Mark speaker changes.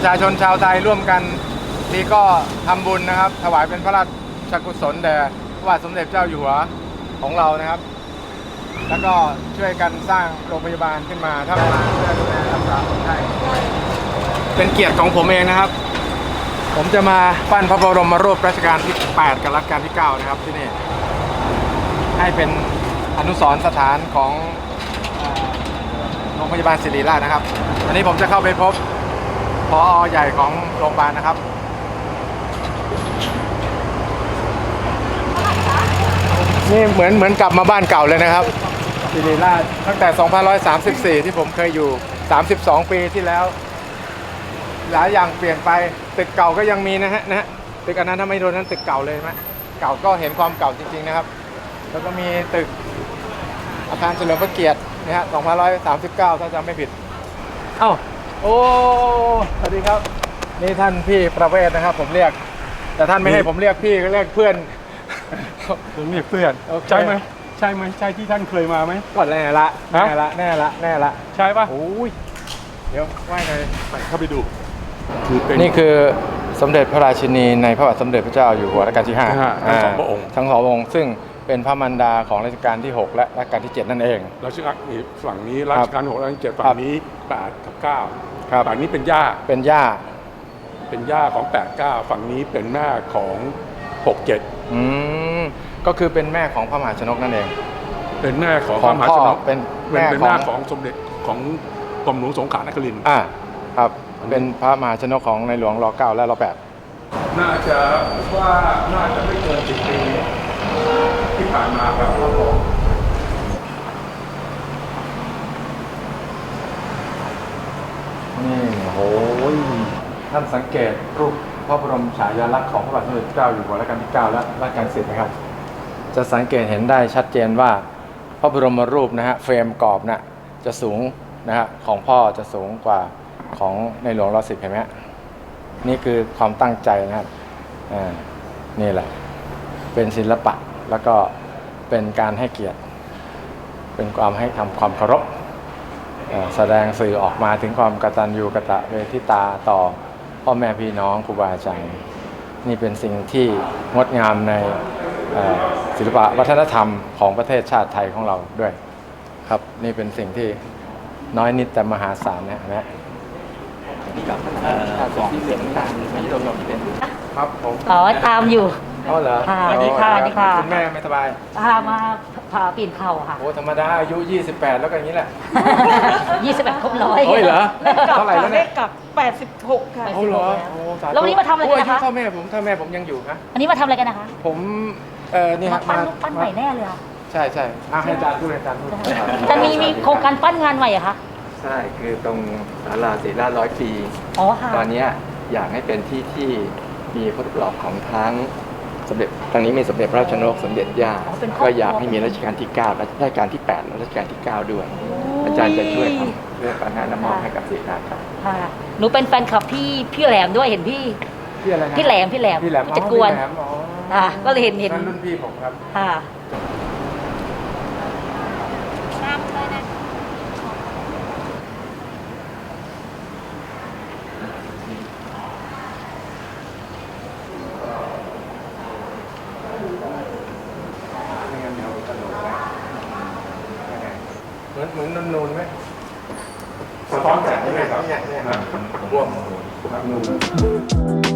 Speaker 1: ชาชนชาวไทยร่วมกันนี่ก็ทำบุญนะครับถวายเป็นพระราชกุศลแด่พระบาทสมเด็จเจ้าอยู่หัวของเรานะครับแล้วก็ช่วยกันสร้างโรงพยาบาลขึ้นมาถ้ามาเพื่อดูแลรักษาคนไข้เป็นเกียรติของผมเองนะครับผมจะมาปั้นพระบรมรูปรัชกาลที่ 8 กับรัชกาลที่ 9 นะครับที่นี่ให้เป็นอนุสรณ์สถานของโรงพยาบาลศิริราชนะครับวันนี้ผมจะเข้าไปพบผอ.ใหญ่ของโรงพยาบาลนะครับนี่เหมือนกลับมาบ้านเก่าเลยนะครับศิริราชตั้งแต่ 2534 ที่ผมเคยอยู่ 32 ปีที่แล้วหลายอย่างเปลี่ยนไปตึกเก่าก็ยังมีนะฮะตึกอันนั้นถ้าไม่โดนนั้นตึกเก่าเลยไหมเก่าก็เห็นความเก่าจริงๆนะครับแล้วก็มีตึกอาคารเฉลิมพระเกียรตินะฮะ 2539 ถ้าจำไม่ผิดเอ้าโอ้สวัสดีครับนี่ท่านพี่ประเวศนะครับผมเรียกแต่ท่านไม่ให้ผมเรียกพี่ก็เรียกเพื่อน
Speaker 2: ผมเรียกเพื่อนใช่ไหมใช่ที่ท่านเคยมาไหม
Speaker 1: ก่อนแน่ละแน่ละ
Speaker 2: ใช่ปะ
Speaker 1: โอ้ยเดี๋ยวว่ายเลย
Speaker 2: เข้าไปดู
Speaker 1: นี่คือสมเด็จพระราชินีในพระบาทสมเด็จพระเจ้าอยู่หัวรัชกาลที่ 5
Speaker 2: ทั้งสองพระองค์
Speaker 1: ซึ่งเป็นพระมารดาของรัชกาลที่ 6 และรัชกาลที่ 7 นั่นเอง
Speaker 2: รัชกาลนี้ฝั่งนี้รัชกาล6รัชกาล7ฝั่งนี้8 กับ 9ฝั่งนี้เป็นย่า
Speaker 1: เป็น
Speaker 2: ย่าของ8 9ฝั่งนี้เป็นแม่ของ6 7
Speaker 1: ก็คือเป็นแม่ของพระมหาชนกนั่นเอง
Speaker 2: เป็นแม่ของพระมหาชนก
Speaker 1: เป็น
Speaker 2: แม่ของสมเด็จของกรมหลวงสงขลานครินทร์
Speaker 1: ครับเป็นพระมหาชนกของในหลวงร9และร
Speaker 2: 8น่าจะไม่เกิน10 ปีที่ผ่านมาครับ
Speaker 1: นี่โอ้ยท่านสังเกตรูปพระบรมฉายาลักษณ์ของพระบาทสมเด็จเจ้าอยู่หัวรัชกาลที่ 9 และรัชกาลที่ 10นะครับจะสังเกตเห็นได้ชัดเจนว่าพระบรมรูปนะฮะเฟรมกรอบนะจะสูงนะฮะของพ่อจะสูงกว่าของในหลวงร10เห็นไหมนี่คือความตั้งใจนะครับนี่แหละเป็นศิลปะแล้วก็เป็นการให้เกียรติเป็นความให้ทำความเคารพแสดงสื่อออกมาถึงความกตัญญูกตเวทิตาต่อพ่อแม่พี่น้องครูบาอาจารย์นี่เป็นสิ่งที่งดงามในศิลปะวัฒนธรรมของประเทศชาติไทยของเราด้วยครับนี่เป็นสิ่งที่น้อยนิดแต่มหาศาลกับที่เสียงต่างๆที่เราเป็นครับผม
Speaker 3: ตามอยู่
Speaker 1: เหรอ
Speaker 3: สวัสดีค่ะ
Speaker 1: คุณแม่ไม่สบาย
Speaker 3: มาผ่าปีนเข่าค่ะ
Speaker 1: โอ้ธรรมดาอายุ28แล้วก็อย่างนี้แหละ
Speaker 3: 28ครบ100
Speaker 1: โอ้ยเหรอเท่าไหร่แล้วเนี่ย
Speaker 4: กับ86ค่ะ
Speaker 1: โอ้เหรอ
Speaker 3: แล้ววันนี้มาทำอะไรกันนะคะ
Speaker 1: ถ้าแม่ผมยังอยู่นะ
Speaker 3: อันนี้มาทำอะไรกันนะคะ
Speaker 1: ผมนี่ฮะ
Speaker 3: ปั้นรูปปั้นใหม่แน่เลยค่ะ
Speaker 1: ใช่ให้อาจารย์พูด
Speaker 3: จะมีโครงการปั้นงานใหม่เหรอคะ
Speaker 5: ใช่คือตรงศาลาศิริราช100 ปีตอนนี้อยากให้เป็นที่ที่มีพระรูปหล่อของทั้งสมเด็จทางนี้มีสมเด็จพระราชนกสมเด็จย่าก็อยากให้มีรัชกาลที่9และรัชกาลที่8และรัชกาลที่9ด้วยอาจารย์จะช่วยทำเรื่องการน้ำมอบให้กับศิริราชครับ
Speaker 3: หนูเป็นแฟนคลับพี่แหลมด้วยเห็นพี่แหลมจัดกวนก็เลยเห็น
Speaker 1: นั่นรุ่นพี่ผมครับเหมือนนูนไหม
Speaker 2: สะท้อนแสงนี่เลยครับ
Speaker 1: บวมนูน